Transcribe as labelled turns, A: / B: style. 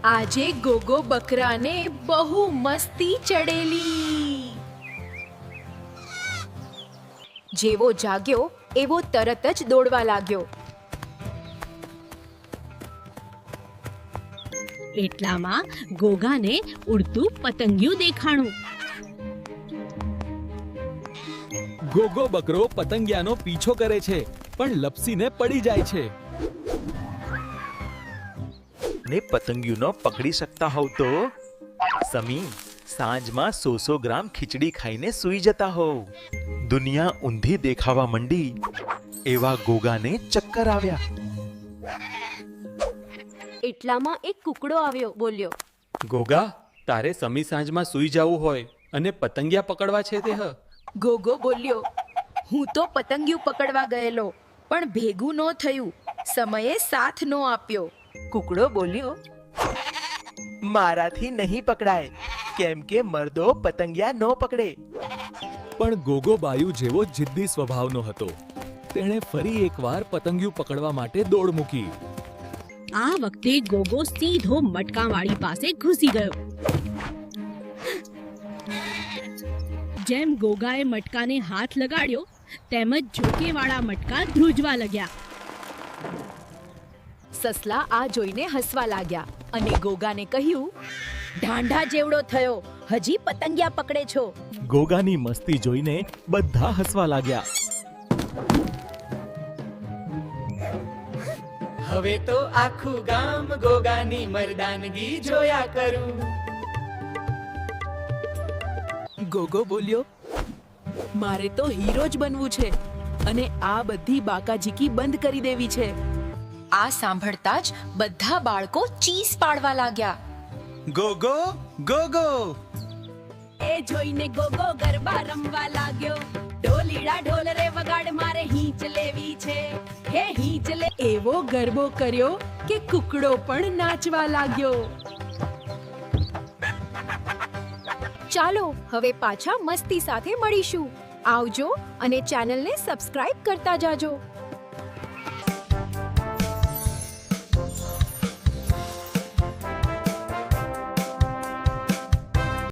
A: આજે ગોગો બકરાને બહુ મસ્તી ચડેલી. જેવો જાગ્યો એવો તરત જ દોડવા લાગ્યો.
B: એટલામાં ગોગાને ઉડતું પતંગિયું દેખાણું.
C: ગોગો બકરો પતંગિયાનો પીછો કરે છે પણ લપસીને પડી જાય છે.
D: ને પતંગિયુંનો પકડી શકતા હોવ તો સમી સાંજમાં 100 ગ્રામ ખીચડી ખાઈને સૂઈ જતા હોવ. દુનિયા ઊંધી દેખાવા મંડી એવા ગોગાને ચક્કર આવ્યા.
E: એટલામાં એક કુકડો આવ્યો, બોલ્યો,
F: ગોગા, તારે સમી સાંજમાં સૂઈ જવું હોય અને પતંગિયા પકડવા છે તે હ.
A: ગોગો બોલ્યો, હું તો પતંગિયું પકડવા ગયેલો પણ ભેગું ન થયું, સમયે સાથ ન આપ્યો.
G: કુકડો બોલ્યો, મારાથી નહીં પકડાય, કેમ કે મર્દો પતંગિયા ન પકડે.
C: પણ ગોગો બાયુ જેવો જિદ્દી સ્વભાવનો હતો. તેણે ફરી એકવાર પતંગિયું પકડવા માટે દોડ મૂકી.
B: આ વખતે ગોગો સીધો મટકાવાળી પાસે ઘૂસી ગયો. જેમ ગોગાએ મટકાને હાથ લગાડ્યો તેમ જ ઝોકેવાળા મટકા ધ્રુજવા લાગ્યા.
A: સસલા આ જોઈને હસવા લાગ્યા અને ગોગાને કહ્યું, ઢાંઢા જેવડો થયો, હજી પતંગિયા પકડે છો.
C: ગોગાની મસ્તી જોઈને બધા હસવા લાગ્યા.
H: હવે તો આખું ગામ ગોગાની મર્દાનગી જોયા કરું.
A: ગોગો બોલ્યો, મારે તો હીરો જ બનવું છે અને આ બધી બાકાજીકી બંધ કરી દેવી છે. આ સાંભળતા જ બધા બાળકો ચીસ પાડવા લાગ્યા.
D: ગોગો ગોગો.
B: એ જોઈને ગોગો ગરબા રમવા લાગ્યો. ઢોલીડા ઢોલ રે વગાડ, મારે હીંચ લેવી છે, હે હીંચ લે.
A: એવો ગરબો કર્યો કે કુકડો પણ નાચવા લાગ્યો. ચાલો હવે પાછા મસ્તી સાથે મળીશું. આવજો અને ચેનલને સબસ્ક્રાઇબ કરતા જાજો.